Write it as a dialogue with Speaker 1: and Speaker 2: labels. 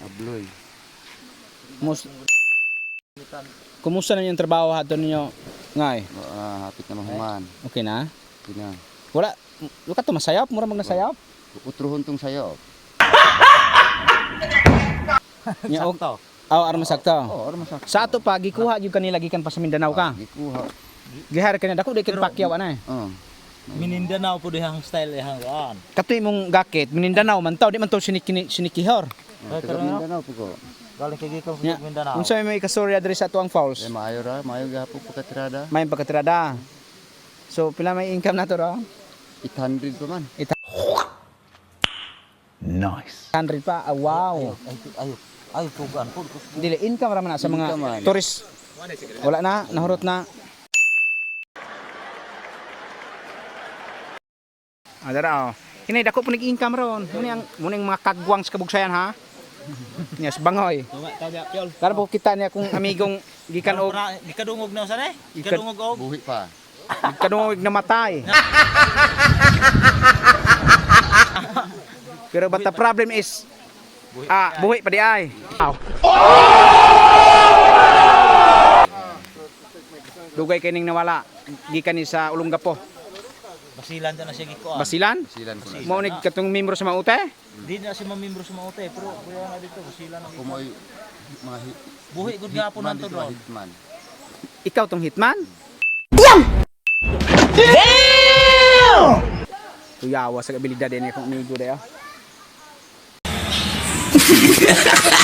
Speaker 1: Abloy.
Speaker 2: Kumusta na yung trabaho hato ninyo? Ngay.
Speaker 1: Hapit na mahuman.
Speaker 2: Okay na?
Speaker 1: Okay na.
Speaker 2: Wala, luka to masayap, mura mag nasayap.
Speaker 1: Utruhon tong sayo.
Speaker 2: Sakto. Aw, aron masakto.
Speaker 1: Oo, ano masakto.
Speaker 2: Sa ato pa gikuha jud kanila gikan pa sa Mindanao ka.
Speaker 1: Gikuha.
Speaker 2: Gihar kanila dako dikin pakyaw ana eh.
Speaker 3: Mindanao po dihang style dihang kuan.
Speaker 2: Katoy mong gakit, Mindanao man taw, di man to sinikihor.
Speaker 1: Taga Mindanao po ko.
Speaker 3: Galing kay gikan
Speaker 2: Nya,
Speaker 3: sa Mindanao.
Speaker 2: unsa may kastorya diri sa tuang falls?
Speaker 1: Maayo ra, maayo gihapon pagkatirada.
Speaker 2: May pagkatirada. So pila may income na to ra?
Speaker 1: 800 pa man.
Speaker 2: Nice. 100 pa. Ah, wow.
Speaker 3: Ay tugan po.
Speaker 2: Dili income ra man na sa mga
Speaker 1: Income man.
Speaker 2: tourist. Wala na, nahurot na. Adara oh. Kini dako punig income ron. Muni ang mga kagwang sa kabugsayan ha. Yes, bangoy. Kara po kita niya kung amigong gikan og
Speaker 3: Gikadungog na usan eh. Gikadungog og.
Speaker 1: Buhi pa.
Speaker 2: kadungog namatay. Pero but the problem is buhi pa di ay. Dugay kining nawala gikan ni sa Olongapo.
Speaker 3: Basilan ta na siya gikuan.
Speaker 2: Basilan?
Speaker 1: Silan ko na.
Speaker 2: Mao ni katong membro sa Maute?
Speaker 3: Di na siya mamembro sa Maute pero kuya na dito basilan na.
Speaker 1: Kumoy mga
Speaker 3: Buhi gud gapon nanto
Speaker 1: hitman,
Speaker 3: doon.
Speaker 1: hitman.
Speaker 2: Ikaw tong hitman? Tuyawa sa abilidad ni akong amigo dayo.